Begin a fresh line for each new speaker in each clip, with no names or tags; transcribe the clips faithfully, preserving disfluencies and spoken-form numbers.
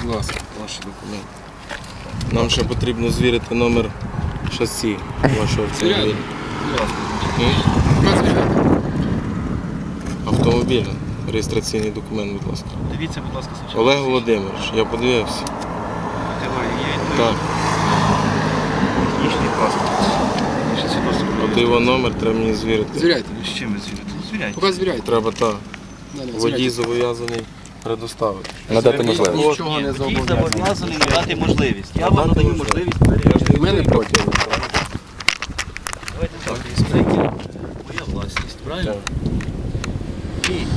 Будь ласка.
Ваші документи. Нам ще потрібно звірити номер шасі вашого автомобіля. Автомобіля. Реєстраційний документ, будь ласка.
Дивіться, будь ласка, спочатку.
Олег Володимирович, я подивився. Так.
Технічний паспорт.
От його номер треба мені звірити.
Звіряйте.
З чим ви звірите? Ну, звіряйте.
Поки звіряйте.
Треба так.
Да, да,
Водій
звіряйте.
зобов'язаний предоставити.
Надати можливість.
Нічого не
Водій
зобов'язаний.
зобов'язаний дати можливість. Я вам
Надати
надаю
можливість.
можливість перевірити.
У мене проти.
Давайте так, інспектор. Моя власність, правильно? І я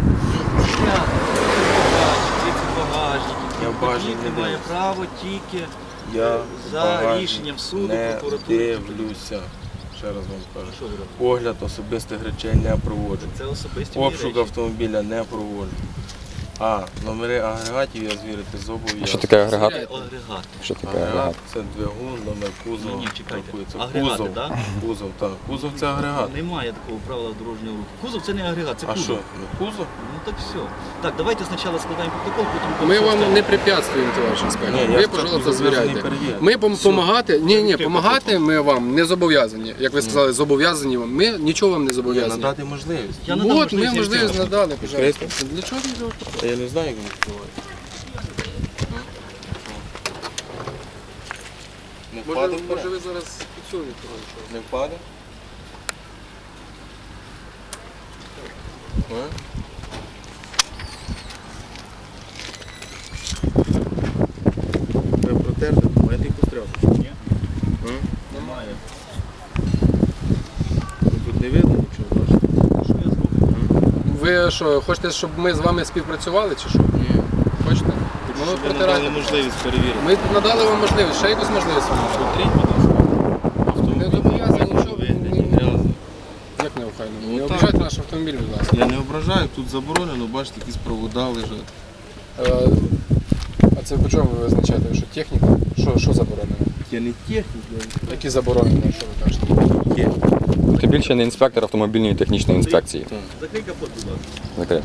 багажник.
Я в багажник не
має
дивлюсь.
право тільки
Я
за
багажник
рішенням суду,
не
прокуратури.
дивлюся. Ще раз вам кажу.
Що ви робите?
Огляд особистих речей не проводжу.
Це особисті мої
Обшук
речі.
автомобіля не проводжу. А номери агрегатів я звірити зобов'язаний.
Що таке агрегат?
Агрегат.
Що таке
Агрегат
агрегат?
це двигун, номер кузова.
Ні, ні, чекайте.
рахується.
Агрегати,
Кузов,
да?
кузов, так. Кузов це агрегат.
Немає такого правила дорожнього руху. Кузов це не агрегат, це
А
кузов.
що? Ну, кузов?
Ну так все. Так, давайте спочатку складаємо протокол, потім...
Ми
все
вам
остальне.
не препятствуємо, товариш інспектор.
Ні, я
Ви,
ж
пожалуйста,
так зобов'язаний
звіряйте.
перевірити.
Ми допомагати, ні, ні,
Відкрив
допомагати ми вам не зобов'язані. Як ви сказали, зобов'язані вам. Ми нічого вам не
Ні,
зобов'язані.
надати можливість.
Я надам
От, ми
можливість
можливість
відкрити.
надали, пожалуйста.
Відкрити?
Для чого ви робите?
Та я не знаю, як він відкривається. Не
Може,
впаде
може
вперед?
ви зараз підсунете того чого?
Не впаде? А? Ви протерти документи і постряли?
Ні.
А?
Немає.
Тут не видно нічого, бачите?
Що я зроблю?
Ви що, хочете, щоб ми з вами співпрацювали чи що?
Ні.
Хочете? Ну,
Ви
протирайте.
надали можливість перевірити.
Ми надали вам можливість, ще якусь можливість вам.
Смотріть, будь ласка.
Не зобов'язані нічого.
Ви не
Ні, ні.
обов'язані.
Як не охайно?
Ну,
Не
так.
обіжайте наш автомобіль, будь ласка.
Я не ображаю, тут заборонено, бачите, якісь провода лежать.
Е, А це по чому ви визначаєте? Що техніка? Що, що заборонено?
Я не технік,
Які заборонені, що ви кажете?
я
Ти більше не інспектор автомобільної технічної інспекції.
Закрий капот, будь ласка.
Закрив.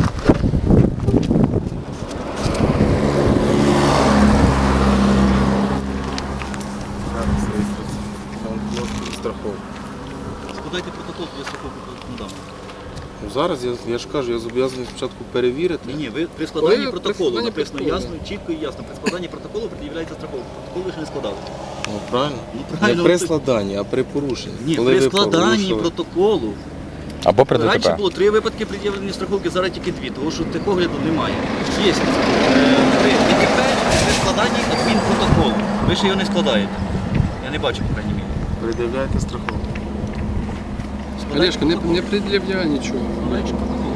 страховка.
Складайте протокол, я страховку надам.
Ну, зараз я, я ж кажу, я зобов'язаний спочатку перевірити.
Ні, ні, ви при складанні
Коли при
протоколу
складанні
написано
протоколу,
ясно, чітко і ясно. При складанні протоколу пред'являється страховка. Протокол ви ще не складали.
Ну, правильно?
Ну, правильно,
Не при
ти-
складанні, а при порушенні.
Ні,
Коли
при
ви
складанні
порушили.
протоколу.
Або при
Раніше
ДТП.
було три випадки пред'явлення страховки, зараз тільки дві, тому що техогляду немає. Є е, при ДТП, при складанні адмінпротоколу. Ви ще його не складаєте. Я не бачу, по крайній мірі.
Придивляйте страховку.
Складайте
Олежка, не,
протокол.
не пред'являй нічого.
Складайте протокол.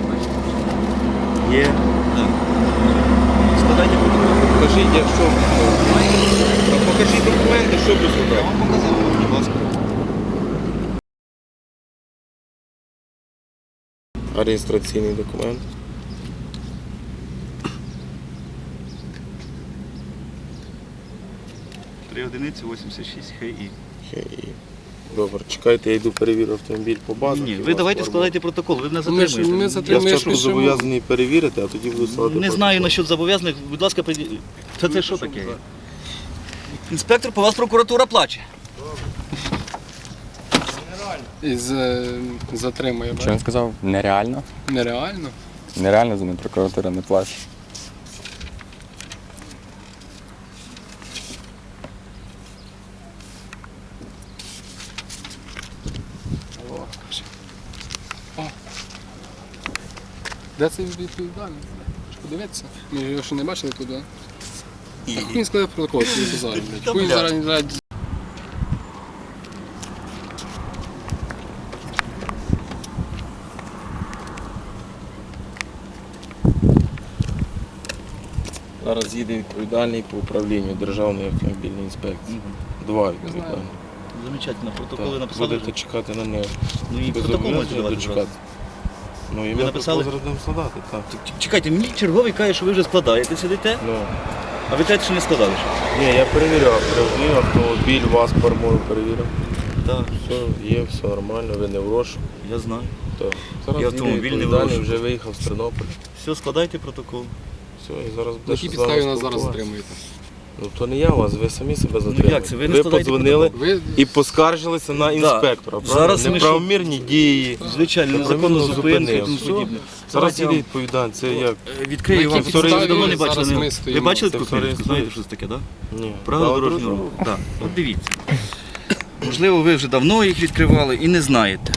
Є.
Так. Складайте протокол.
Покажіть, якщо... А покажіть документи, що ви
Я
складали.
вам показав, будь ласка.
А реєстраційний документ?
три одиниці вісімдесят шість ХІ.
Хе-і. Добре, чекайте, я йду перевірю автомобіль по базах.
Ні,
і
ви
вас
давайте
формую.
складайте протокол, ви не
Ми ж-
затримуєте.
ми
Я
затримуємо. Ми ж
спочатку
пишемо.
зобов'язаний перевірити, а тоді буду складати
Не
протокол.
знаю насчет зобов'язаних, будь ласка, прийдіть. Це, це що таке? Інспектор, по вас прокуратура плаче.
Із е, затримує,
Що він сказав? Нереально?
Нереально.
Нереально за ним прокуратура не плаче.
Де це відповідальний? Що подивитися? Ми його ще не бачили туди. Так він складає протокол, це базар, блядь. Хуй зараз не знає.
Зараз їде відповідальний по управлінню Державної автомобільної інспекції. Два відповідальні.
Замечательно, протоколи
Так,
написали.
будете чекати на нього.
Ну і
Ви
протокол можете
зобов'язані
давати
дочекати.
зразу.
Ну і
Ви
ми
написали?
протокол зараз будемо складати, так.
Ч- Чекайте, мені черговий каже, що ви вже складаєте, сидите,
Ну,
а ви кажете, що не складали ще.
ні, я перевіряв, перевірив автомобіль, вас формую перевірив.
Так,
Все, є, все нормально, ви не в розшуку.
я знаю.
Так.
І
Зараз їде
автомобіль не в
відповідальний,
розшуку.
вже виїхав з Тернополя.
Все, складайте протокол.
Все, і зараз
На
буде
якій
ще з вами
підставі нас зараз
спілкуватися.
затримуєте?
Ну то не я вас, ви самі себе затримали.
як це? Ви не
ви
складаєте
подзвонили
Ви
і поскаржилися на інспектора.
Зараз
Зараз
ми
неправомірні дії.
Звичайно, незаконно
Законно
зупинку і
зупинив.
тому
Все.
подібне.
Зараз
Давайте
їде
я
відповідальний. Це як?
Е, Відкрию
На
вам,
якій
ви
підставі
давно не
зараз
бачили.
ми
Ви
стоїмо?
бачили
Це
таку
все
книжку?
реєструється.
Знаєте, що це таке, так?
Ні.
Правила дорожнього руху. Так. От дивіться. Можливо, ви вже давно їх відкривали і не знаєте.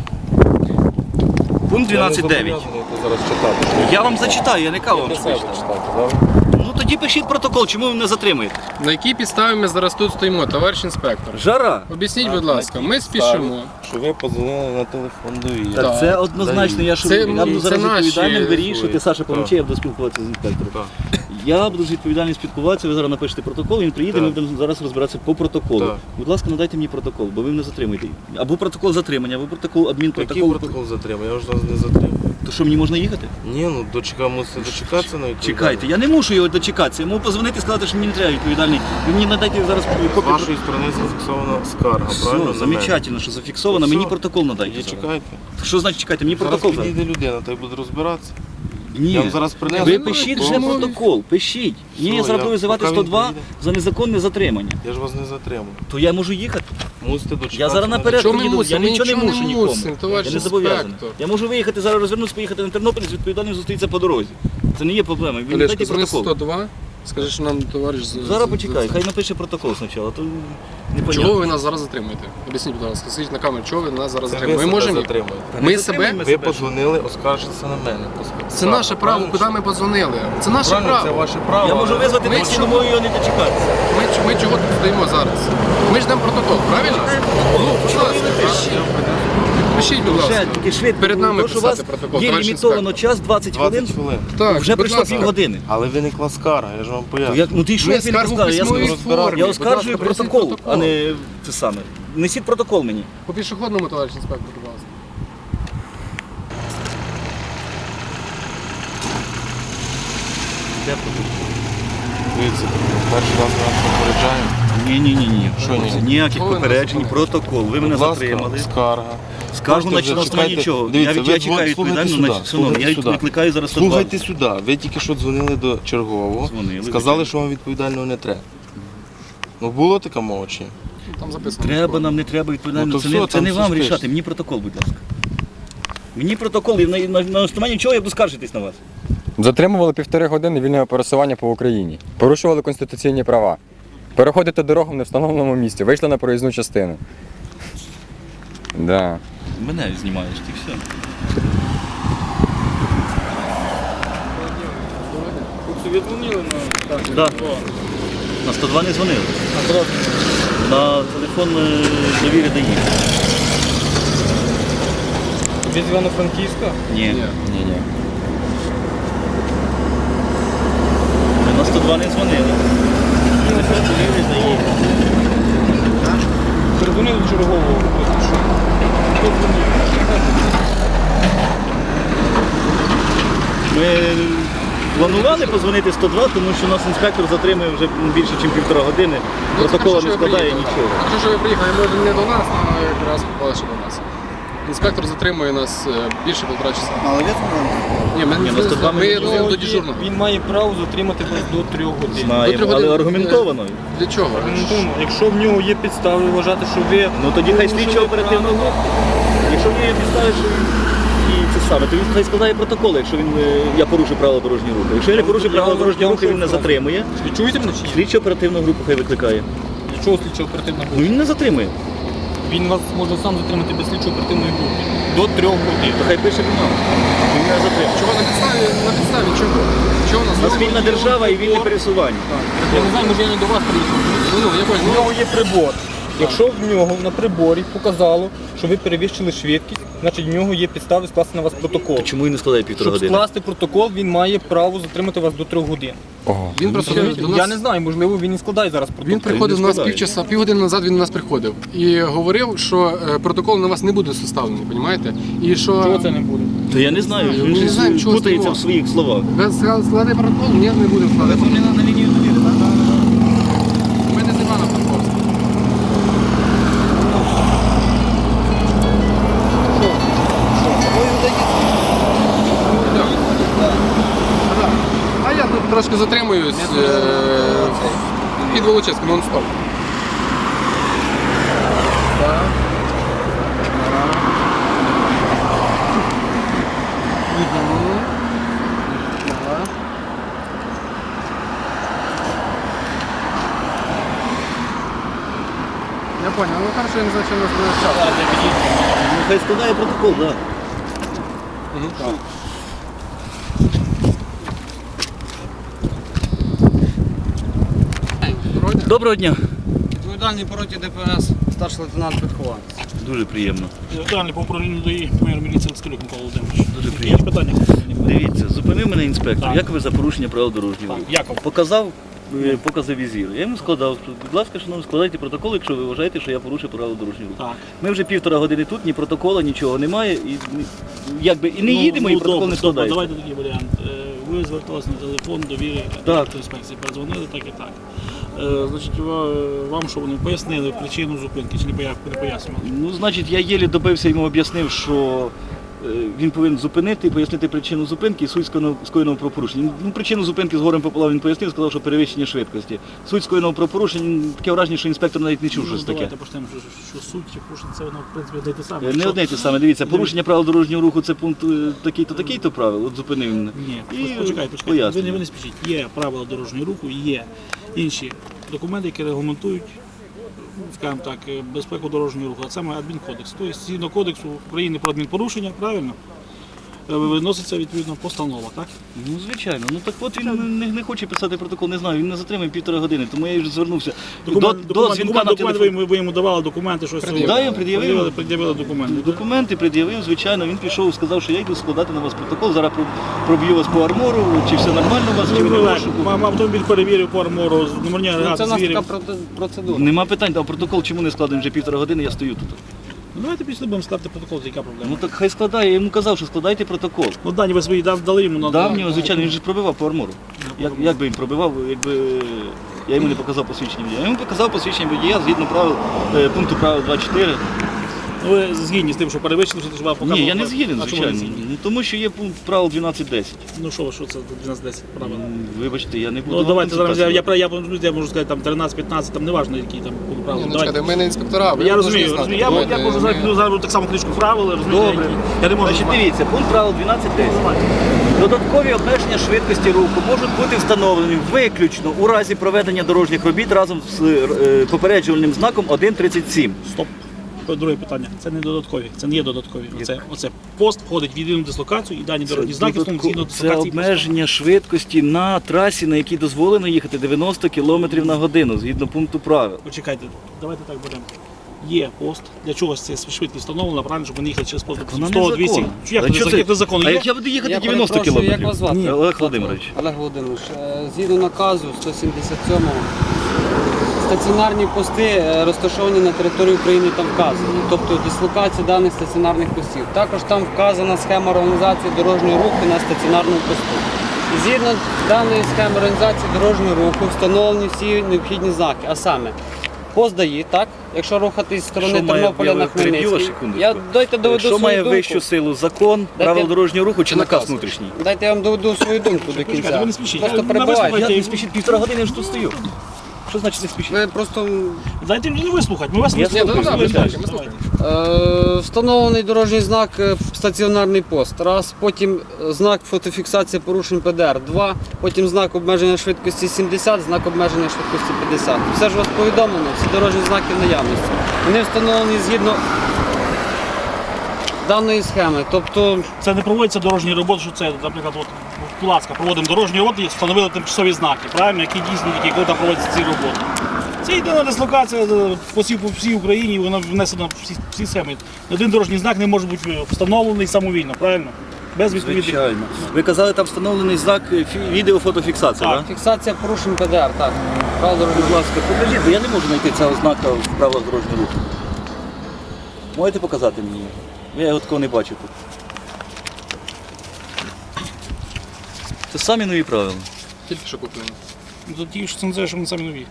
Пункт дванадцять дев'ять.
Зараз читати.
Я вам зачитаю, я не кажу вам,
Для
що
себе
читати.
читати, добре?
Ну тоді пишіть протокол, чому ви мене затримуєте?
На якій підставі ми зараз тут стоїмо, товариш інспектор?
Жара.
Об'ясніть, будь ласка, ми спішимо.
Що ви подзвонили на телефон довіри.
Так,
Так.
це однозначно, я, що,
Це-
я буду
це
зараз
наші
відповідальним вирішувати.
свої.
Саша, помовчи,
Так.
я буду спілкуватися з інспектором.
Так.
Я буду з відповідальним спілкуватися, ви зараз напишете протокол, він приїде,
Так.
ми будемо зараз розбиратися по протоколу.
Так.
Будь ласка, надайте мені протокол, бо ви мене затримуєте. Або протокол затримання, або протокол
Який
адмінпротокол.
протокол затримав? Я вже вас не затримав.
То що, мені можна їхати?
Ні, ну дочека мусите дочекатися на відповідальність.
Чекайте, я не мушу його дочекатися. Я можу позвонити і сказати, що мені не треба відповідальний. Ви мені надайте зараз
З
копію.
вашої сторони зафіксована скарга, правильно?
Все,
на мене?
замечательно, що зафіксовано.
Все.
Мені протокол надайте.
Тоді
зараз.
чекайте.
Що значить чекайте? Мені
Зараз
протокол дайте.
підійде людина, та й буде розбиратися.
Ні.
Я вам зараз принесу.
Ви
Ну,
пишіть
ну,
вже
ну,
протокол, пишіть. Ні,
Все,
я зараз
я-
буду визивати
поки
сто
він
два
приїде.
за незаконне затримання.
Я ж вас не затримую.
То я можу їхати.
Мусите дочекатися.
Я зараз
на
наперед
Чого ми
приїду, я
мусимо? Ми
нічого не
нічого
мушу
не
нікому.
мусимо, товариш
Я не зобов'язаний.
інспектор.
Я можу виїхати, зараз розвернутися, поїхати на Тернопіль, з відповідальним зустрітися по дорозі. Це не є проблема. Ви мені
Олешко,
дайте
дзвони
протокол.
сто два, скажи, що нам товариш... з-
Зараз
з-
почекай,
з-
хай напише протокол спочатку, то
Чого
непонятно.
ви нас зараз затримуєте? Об'ясніть, будь ласка, скажіть на камеру, чого ви нас зараз
Це ви
затримуєте? Ми
себе
можемо...
затримуєте.
Ми
Не
себе...
затримуємо.
Ви подзвонили, оскаржитися на мене.
Це наше право, куди ми подзвонили. Це наше
Правильно, це
право.
ваше право.
Я можу
але-
визвати
Ми
таксі,
чого-
тому його не дочекатися.
Ми, ч- ми чого тут стоїмо зараз? Ми ждемо протокол, правильно? Ну, будь ласка, пишіть. Пишіть, будь
Вже
ласка.
тільки швидко.
Перед нами
тому що у вас
писати протокол,
є
товариш
лімітовано
інспектор.
час двадцять хвилин.
двадцять хвилин.
Так,
Вже
будь
пройшло
ласка.
півгодини.
Але виникла скарга, я ж вам
То
поясню.
як, ну ти що
Ми
я тобі не
скаргу
скажу? Я,
в письмовій
скажу-
формі.
я
Будь
оскаржую
ласка, принесіть
протокол,
протокол.
а не це саме. Несіть протокол мені.
По пішохідному, товариш інспектор, будь ласка.
Де протокол?
Дивіться, перший раз ми вас попереджаємо.
Ні, ні, ні, ні.
Що ні?
Ніяких
Чого ви нас
попереджень,
зупинили?
протокол. Ви мене
Будь ласка,
затримали.
скарга.
Скаргу на
Можете вже
основанні
чекайте.
чого?
Дивіться,
Я,
ви
я чекаю
слухайте
відповідально,
сюди,
значить, шановні, я
слухайте сюди.
викликаю зараз сто два.
Слухайте сюди, ви тільки що дзвонили до чергового,
Дзвонили,
сказали,
звичайно.
що вам відповідального не треба. Ну було така мова чи ні?
Ну, Там записано.
Треба нам, не треба відповідально.
Ну, то
це
все,
не, це
там
не
все
вам
спиш.
рішати. Мені протокол, будь ласка. Мені протокол, і на, на, на основанні чого я буду скаржитись на вас?
Затримували півтори години вільного пересування по Україні. Порушували конституційні права. Переходите дорогу в невстановленому місці. Вийшли на проїзну частину. Да.
Мене знімаєш, ти все.
Ви дзвонили на...
Да. На сто два не дзвонили. На телефон е, довіри дає.
Ви з Івано-Франківська?
Ні.
Ні-ні.
На сто два не дзвонили. Телефон довіри дає.
Передзвонили до чергового.
Ми планували позвонити сто два, тому що нас інспектор затримує вже більше, ніж півтора години. Протокола не складає нічого.
Якщо що ви приїхали, може не до нас, а якраз попали ще до нас. Інспектор затримує нас е, більше півтора часа.
Але я знаю.
Ні, ми
Ні,
не
ну, сто два
ми
ми
йдемо
не
до дежурного.
Він має право затримати вас до трьох годин.
Знаємо,
трьох
але
годин,
аргументовано.
Для чого?
Аргументовано, якщо в нього є підстави вважати, що ви
Ну тоді хай
порушили
слідчо оперативно.
правила,
Якщо в нього є підстави, що він і це саме, то він хай складає протокол, якщо він е, я порушив правила дорожнього руху. Якщо я не порушив
Я
правила
вам-
дорожнього
я вам
руху, він не
що
затримує.
Ви чуєте мене чи ні?
Слідчо оперативну групу хай викликає.
Для чого слідчо оперативна
Ну
група?
він не затримує.
Він вас може сам затримати без слідчо оперативної групи. До трьох годин.
То хай пише бумагу. Він не затримує.
Чого на підставі? На підставі чого? Чого у нас?
У нас вільна держава і вільне пересування.
Я не знаю, може я не до вас приїхав.
Ну, ну, я
У
понял.
нього є прибор. Якщо в нього на приборі показало, що ви перевищили швидкість, значить в нього є підстави скласти на вас протокол.
То чому він не складає півтора
Щоб
години?
скласти протокол, він має право затримати вас до трьох годин.
Ого.
Він просто
Розумієте?
до
Я
нас...
не знаю, можливо, він і складає зараз протокол.
Він приходив до нас
складає.
півчаса, півгодини назад він до нас приходив і говорив, що е, протокол на вас не буде составлений, розумієте? І що
Чого це не буде?
То я не знаю,
Ми
він
не
щось
знаємо, чого
путається
з
в своїх словах.
ви сказали, складати протокол? Ні, не будемо складати.
на лінію довіри, так?
Ми не з Івана Франковська. А я тут трошки трошки затримуюсь. е, Під Волочиськом, нон-стоп. Так. Мгм. Так. Я понял, ну хорошо, я не знаю, чим нас буде час.
Ну, хай складає протокол, так.
Так. Доброго дня.
Доброго дня.
Відповідальний по роті ДПС, старший лейтенант Підхованець.
Дуже приємно.
Відповідальний по управлінню ДАІ, майор міліції Лискалюк Микола Володимирович.
Дуже
Є
приємно.
питання?
Дивіться, зупинив мене інспектор.
Так.
Як ви за порушення правил дорожнього руху?
Яков.
Показав е, покази візіру. Я йому складав. Будь ласка, шановні, складайте протокол, якщо ви вважаєте, що я порушив правила дорожнього руху.
Так.
Ми вже півтора години тут, ні протокола, нічого немає. І, ні- якби, і не їдемо, і протокол
добре,
не
добре,
складається.
Давайте такий варіант. Е, Ви зверталися на телефон довіри інспекції, передзвонили, так і так. Е, Значить, ва- вам що вони пояснили причину зупинки чи не поя- не пояснювали?
Ну, значить, я єлі добився, йому об'яснив, що е, він повинен зупинити, пояснити причину зупинки і суть скоєного скоєного правопорушення. Ну, причину зупинки з горем пополам він пояснив, сказав, що перевищення швидкості. Суть скоєного правопорушення, таке враження, що інспектор навіть не чув щось
Ну,
таке.
Давайте почнемо, що, що суть чи порушення, це воно, в принципі, одне й те саме.
Е, Не
Якщо-
одне й те саме, дивіться, порушення правил дорожнього руху це пункт е, такий-то, такий-то правил, от зупинив мене.
Ні,
І
почекайте, почекайте. Ви
пояснюю.
не, ви не спішіть. Є правила дорожнього руху, є інші документи, які регламентують, ну, скажімо так, безпеку дорожнього руху, а саме адмінкодекс. Тобто, згідно кодексу України про адмінпорушення, правильно, е, виноситься відповідно постанова, так?
Ну, звичайно. Ну так от він не, не хоче писати протокол, не знаю, він не затримає півтора години, тому я вже звернувся
Документ,
до, до
документ,
дзвінка
документ,
на
документ
телефон.
ви, ви йому давали документи, щось.
Да, я пред'явив.
Пред'явили, пред'явили документи.
Документи пред'явив, звичайно, він пішов, сказав, що я йду складати на вас протокол, зараз про- проб'ю вас по армору, чи все нормально у вас, чи ви не в розшуку.
Мам, автомобіль перевірив по армору, номерні
Ну,
агрегати
це у нас
звірів.
така проте- процедура.
Нема питань, а протокол чому не складений вже півтора години, я стою тут.
Ну, давайте після будемо складати протокол, яка проблема.
Ну так хай складає, я йому казав, що складайте протокол.
Ну, дані ви свої дав- дали йому на
Давнього, звичайно, він же ж пробивав по армору. Як, як би він пробивав, якби я йому не показав посвідчення водія. Я йому показав посвідчення водія згідно правил, е, пункту правил двадцять чотири.
Ну, ви згідні з тим, що перевищили, що треба показувати?
Ні, я не згіден,
А чому ви не
звичайно.
згідні?
Ну, тому що є пункт правил дванадцять десять.
Ну що, ви, що це дванадцять десять правила?
Вибачте, я не буду.
Ну
вам
давайте зараз я,
консультацію
я, я, я, я можу сказати там тринадцять п'ятнадцять, там неважно які там були
Ні,
правила.
ну
Давайте.
чекайте, ми не інспектора, ви
Я
повинні
розумію,
знати.
розумію. Я,
Давайте,
я можу
ми-
зараз піду зараз так само книжку правил, розумієте,
Добре.
які- Я не можу.
Значить, дивіться, пункт правил дванадцять десять. Додаткові обмеження швидкості руху можуть бути встановлені виключно у разі проведення дорожніх робіт разом з е, попереджувальним знаком один тридцять сім.
Стоп. Друге питання. Це не додаткові, це не є додаткові. Оце, оце пост входить в єдину дислокацію і дані дорожні знаки в тому згідно
Це
дислокації.
обмеження швидкості на трасі, на якій дозволено їхати дев'яносто кілометрів на годину, згідно пункту правил.
Почекайте, давайте так будемо. Є пост, для чогось це швидкість встановлена, правильно, щоб вони їхали через пост
Вона
сто
не
двісті.
закон.
Як
А
це
що
як це закон?
А
Є?
як я буду їхати
Я
дев'яносто
перепрошую,
кілометрів?
як вас звати?
Ні. Олег Володимирович.
Олег Володимирович, е, згідно наказу сто сімдесят сьомого, стаціонарні пости е, розташовані на території України там вказані, тобто дислокація даних стаціонарних постів. Також там вказана схема організації дорожнього руху на стаціонарному посту. І згідно даної схеми організації дорожнього руху встановлені всі необхідні знаки, а саме пост ДАІ, так? Якщо рухатись з сторони
Що має-
Тернополя
я
на
переб'ю вас
Хмельницький.
секундочку.
Я дайте доведу
Що
свою
має
думку.
вищу силу? Закон, правил дорожнього руху чи наказ внутрішній?
Дайте я вам доведу свою думку до
Почекайте,
кінця.
ви не спішіть.
Просто
Я-
перебивайте.
на
Я не спішіть, півтора години я ж тут стою. Що значить не спішіть?
Ви просто
Дайте мені вислухати, ми вас
Я
вислухаємо.
слухаю,
Давайте,
ми
давайте.
е, встановлений дорожній знак е, стаціонарний пост. Раз, потім е, знак фотофіксація порушень Пе Де Ер. Два, потім знак обмеження швидкості сімдесят, знак обмеження швидкості п'ятдесят. Все ж у вас повідомлено, всі дорожні знаки в наявності. Вони встановлені згідно даної схеми. Тобто
Це не проводиться дорожні роботи, що це, наприклад, от, будь ласка, проводимо дорожні роботи і встановили тимчасові знаки, правильно, які дійсні, які коли там проводяться ці роботи. Це єдина дислокація е, по всій, по всій Україні, вона внесена в всі, всі схеми. Один дорожній знак не може бути встановлений самовільно, правильно? Без відповідних.
Звичайно. Ви казали, там встановлений знак е, фі- відеофотофіксація,
Так.
так?
фіксація порушень Пе Де Ер, так. Правила дорожнього
Будь ласка, покажіть, бо я не можу знайти цього знака в правилах дорожнього руху. Можете показати мені? Я його такого не бачу тут. Це самі нові правила.
Тільки що куплені.
Тут ті, що це не що вони самі нові.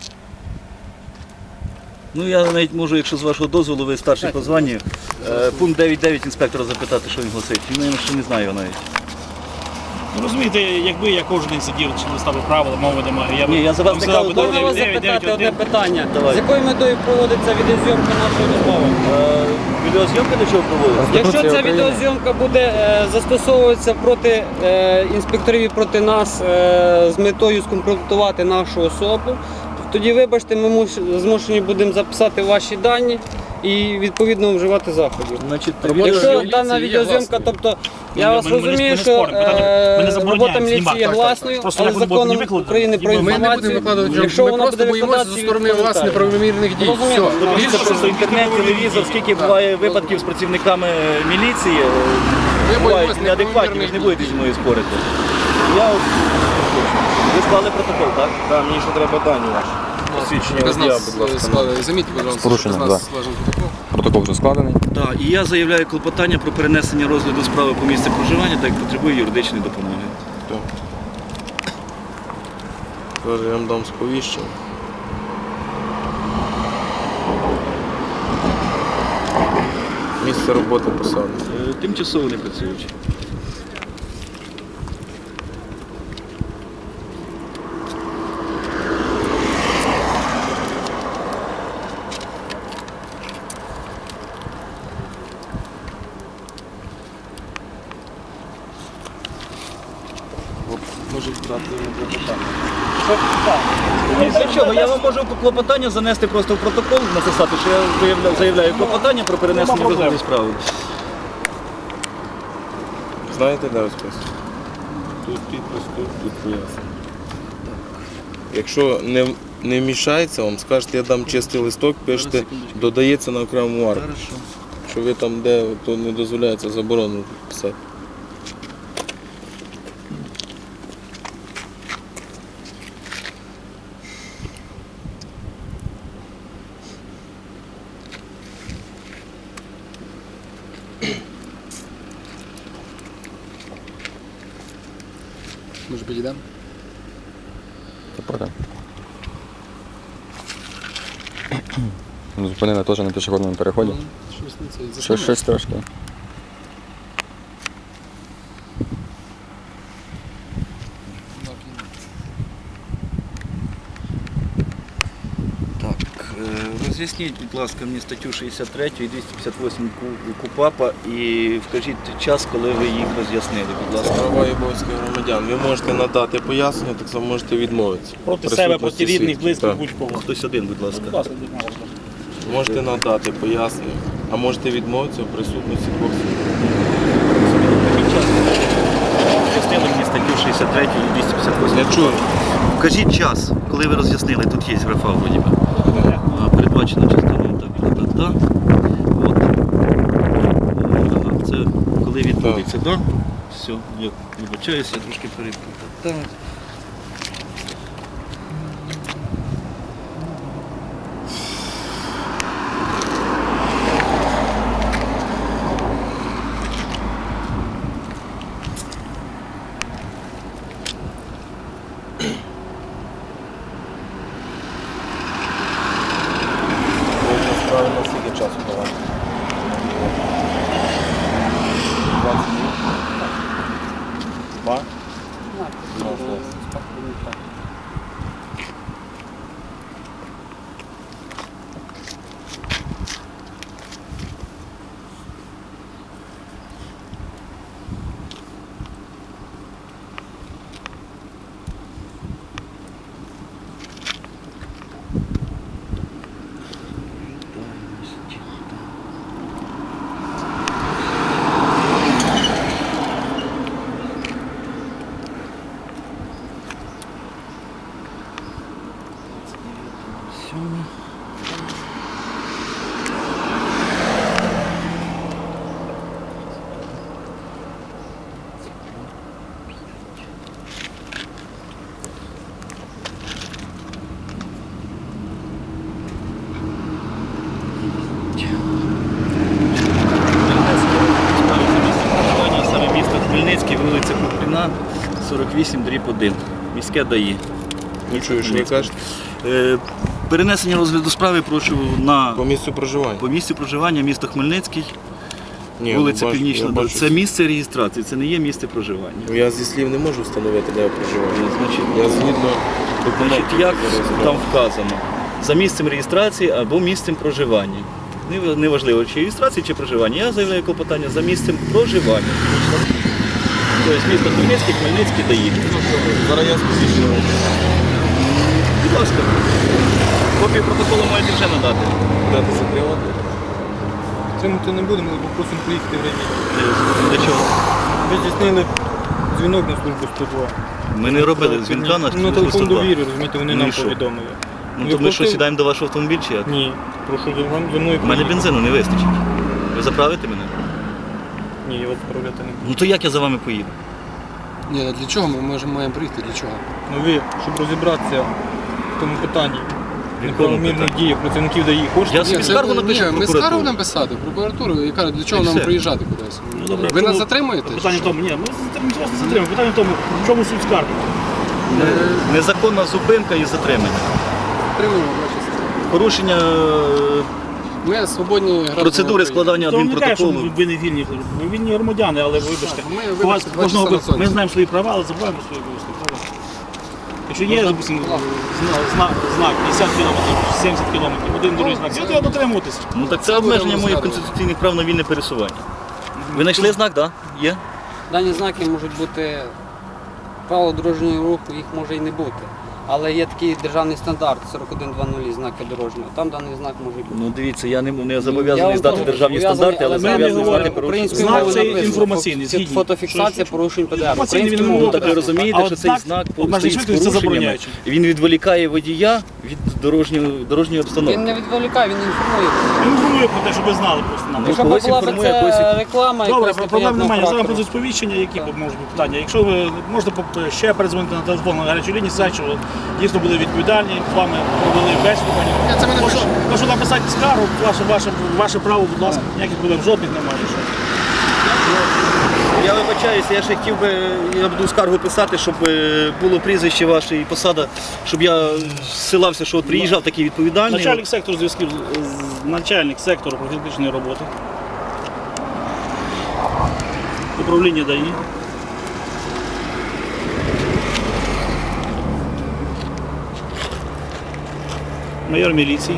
Ну я навіть можу, якщо з вашого дозволу, ви старший по званню, е, пункт дев'ять дев'ять інспектора запитати, що він гласить. Він, мабуть, ще не знає його навіть.
Ну, розумієте, якби я кожен день сидів, чи листав правила, мови немає. Я б-
Ні, я за вас
вам
не
сказав
кажу,
би,
Можна вас
дев'ять, дев'ять,
запитати одне
один.
питання?
Давай.
З якою метою проводиться відеозйомка нашої розмови?
Е, Відеозйомка до чого проводиться?
Якщо ця
України.
відеозйомка буде е, застосовуватися проти е, інспекторів і проти нас е, з метою скомпрометувати нашу особу, тоді, вибачте, ми муш- змушені будемо записати ваші дані і відповідно вживати заходів.
Значить,
Робота
Якщо
міліції
дана
є
відеозйомка,
гласною.
тобто я
Ми-
вас
ми- ми не- ми
розумію,
не
що
споримо. Питання, ми не
е,
забороняємо
робота міліції
знімати,
є
так, так.
гласною,
Просто
але
як вони будуть
законом
викладати,
України про
ми не
Ми не будемо
інформацію,
викладати,
якщо
ми
вона
просто
буде
боїмося зі
викладатися,
сторони вас
відповідає.
неправомірних дій.
Розумію.
Все.
Тобто
Більше
Просто інтернет, телевізор, скільки буває випадків з працівниками міліції, е,
Ми
бувають
боїмося
неадекватні, ви ж не будете зі мною спорити. Я от, ви склали протокол, так?
Так, мені ще треба дані ваші. Посвідчення
Без
водія,
нас
будь ласка.
складали. Замітьте, будь ласка,
порушенням,
без нас
да.
складений протокол.
Протокол вже складений.
Так, і я заявляю клопотання про перенесення розгляду справи по місцю проживання, так як потребує юридичної допомоги.
Зараз я вам дам сповіщення. Місце роботи посади.
Е, Тимчасово не працюючи.
Може брати клопотання.
Для чого? Я вам можу клопотання занести просто в протокол, написати, що я заявляю, заявляю клопотання про перенесення розгляду справи.
Знаєте, де розпис? Тут підпис, тут, тут пояснення. Якщо не, не вмішається вам, скажете, я дам чистий листок, пишете,
секундочку.
додається на окрему арку.
Хорошо.
Що ви там, де то не дозволяється, заборонено писати.
Може підійдемо?
Потім. Зупинили теж на пішохідному переході.
Щось не це.
Щось, щось трошки.
Так, е, роз'ясніть, будь ласка, мені статтю шістдесят три і двісті п'ятдесят вісім Ку- КУпАПа і вкажіть час, коли ви їх роз'яснили, будь ласка.
Права і обов'язки громадян. Ви можете надати пояснення, так само можете відмовитися.
Проти
Присутності
себе, проти рідних,
свідків.
близьких,
Так.
будь-кого.
Хтось один, будь ласка.
Будь ласка, будь ласка.
Можете надати пояснення, а можете відмовитися в присутності двох свідків.
Вкажіть час. Роз'яснили мені статтю шістдесят три і двісті п'ятдесят вісім.
Я чую.
Вкажіть час, коли ви роз'яснили, тут є графа вроді би. А, передбачено частиною так, так, так, так. От. Ага, це коли відбудеться, так? Да? Все, я вибачаюся, я трошки перепутав. Так.
Можна справи на скільки часу давати? двадцять минут? Два?
Саме місто Хмельницький, вулиця Купріна, сорок вісім дріб один. Міське ДАІ.
Не чую, що ви кажете.
Е, Перенесення розгляду справи прошу на
По місцю проживання.
по місцю проживання місто Хмельницький,
Ні,
вулиця
ну, бачу,
Північна.
я
До-
бачу.
Це місце реєстрації, це не є місце проживання.
Ну, я зі слів не можу встановити, де я проживаю.
Значить,
Я згідно документів.
Значить, як
зареєстрований.
там вказано? За місцем реєстрації або місцем проживання. Не- Неважливо, чи реєстрації, чи проживання. Я заявляю клопотання за місцем проживання. Тобто місто Хмельницький, Хмельницький дає.
Зараз я спустився.
Будь ласка. Копію протоколу маєте вже надати.
Дати закривати.
Тримати не будемо, але попросимо приїхати в райвідділ.
Для чого?
Ви здійснили дзвінок на службу сто два.
Ми не робили дзвінка на
На
службу
телефон
сто два.
довіри, розумієте, вони
Ну
нам
і що?
повідомили.
Ну
Ви
то ми що,
платили?
сідаємо до вашого автомобіля чи як?
Ні, прошу за вами за мною
У мене
приїхати.
бензину не вистачить. Ви заправите мене?
Ні, я вас справляти не буду.
Ну то як я за вами поїду?
Ні, для чого ми можемо маємо прийти? Для чого?
Ну ви, щоб розібратися в тому питанні,
В якому
неправомірних
питанні?
діях працівників ДАІ, хочете?
Я
Ні,
собі
це-
скаргу напишу
ні,
в
ми
прокуратуру.
скаргу написати, в прокуратуру, яка для чого
І
нам
все.
приїжджати кудись?
Ну, добре,
Ви
в
нас
чому-
затримуєте?
Питання в
чи що?
тому, ні, ми затримуємо, просто затримуємо. Питання в тому, в чому суть скарги?
Незаконна зупинка і затримання.
Затримуємо, бачите.
Порушення е,
Ми свободні громадяни
процедури
України.
складання
То не кажуть, що
адмінпротоколу.
ви не вільні, ви вільні громадяни, але вибачте.
Ми,
У вас
вибачте, два
кожного
часа на
ви-
сонці.
ми знаємо свої права, але забуваємо свої обов'язки. правда? Якщо є, допустимо, зна- знак, знак п'ятдесят кілометрів, сімдесят кілометрів, один дорожній знак, цього треба дотримуватися.
Ну так це обмеження моїх конституційних прав на вільне пересування. Ви знайшли знак, так? Да? Є?
Дані знаки можуть бути правила дорожнього руху, їх може і не бути. Але є такий державний стандарт сорок один двадцять знаки дорожнього. Там даний знак може бути.
Ну дивіться, я не, не
Я
зобов'язаний
вам
здати
кажу,
державні
зобов'язаний,
стандарти, але
але
ми не
зобов'язаний
говоримо
знати
про
порушення.
Українською
Знак
мовою
це
написано.
інформаційний,
Фото-
згідні.
Фотофіксація
Що-
порушень ПДР.
Інформаційний,
Українською
він
мовою
Ну так ви
так,
написано.
розумієте,
А
що
от
цей
знак
знак
обмеження
стоїть з
швидкості це
порушеннями.
забороняючий.
Він відволікає водія від дорожньої, дорожньої
Він
обстановки.
не відволікає, він інформує.
Я інформую про те, щоб ви знали просто нам.
Ну,
Якщо б
когось
була б
інформує,
це
когось-
реклама,
Добре,
якась
проблем
неприємного
немає. Я зараз
характеру.
про сповіщення, які можуть бути питання. Якщо ви можете поп- ще передзвонити на телефон на гарячу лінію, сказати, що дійсно були відповідальні, з вами провели бесіду.
Я це ми
Прошу,
напишемо.
прошу написати скаргу, ваше, ваше, ваше право, будь ласка, ніяких проблем жодних немає.
Я вибачаюся, я ще хотів би, я буду скаргу писати, щоб е, було прізвище ваше і посада, щоб я ссилався, що от приїжджав такий відповідальний.
Начальник сектору зв'язків, з- з- начальник сектору профілактичної роботи. Управління ДАІ. Майор міліції.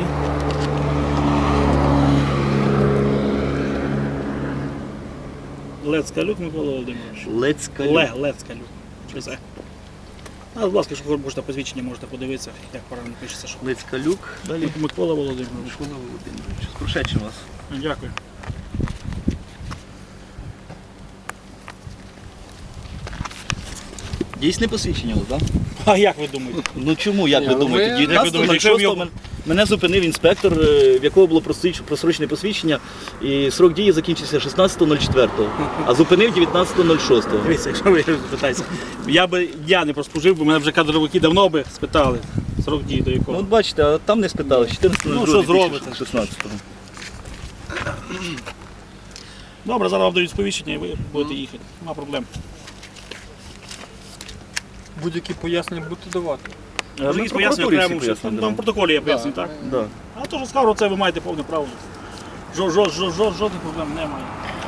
Лецкалюк Микола Володимирович.
Лецькалюк.
Ле, Лецкалюк. Що це? А, будь ласка, якщо можете посвідчення, можете подивитися, як правильно пишеться. Що...
Лецькалюк. Далі.
Микола Володимирович.
Микола Володимирович. З прошедшим вас.
Дякую.
Дійсне посвідчення, так? Да?
А як ви думаєте?
Ну чому, як
Ні,
ви
ну,
думаєте?
ми-
дев'ятнадцятого
Як ви думаєте, якщо
шостого мене зупинив інспектор, е, в якого було просріч- просрочене посвідчення, і срок дії закінчився шістнадцятого четвертого, а зупинив дев'ятнадцятого шостого.
Дивіться, якщо ви питаєте, я би я не прослужив, бо мене вже кадровики давно би спитали срок дії до
Ну
якого.
от бачите, а там не спитали, чотирнадцятого
Ну, що зробите?
шістнадцятого.
Добре, зараз вам дають сповіщення і ви будете їхати. Нема проблем.
Будь-які пояснення будете давати.
Ми
Якісь
в
пояснення
прокуратурі
окремо,
всі
що
пояснення
там в
дамо.
протоколі я поясню, так?
Да.
А то, що скажу, це ви маєте повне право. Жо, жо, жо, жо, жодних проблем немає.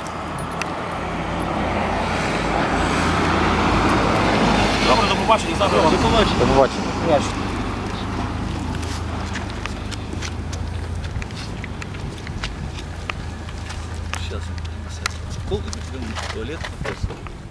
Добре, до побачення, завтра вам.
До побачення.
До побачення.
Сейчас. Туалет.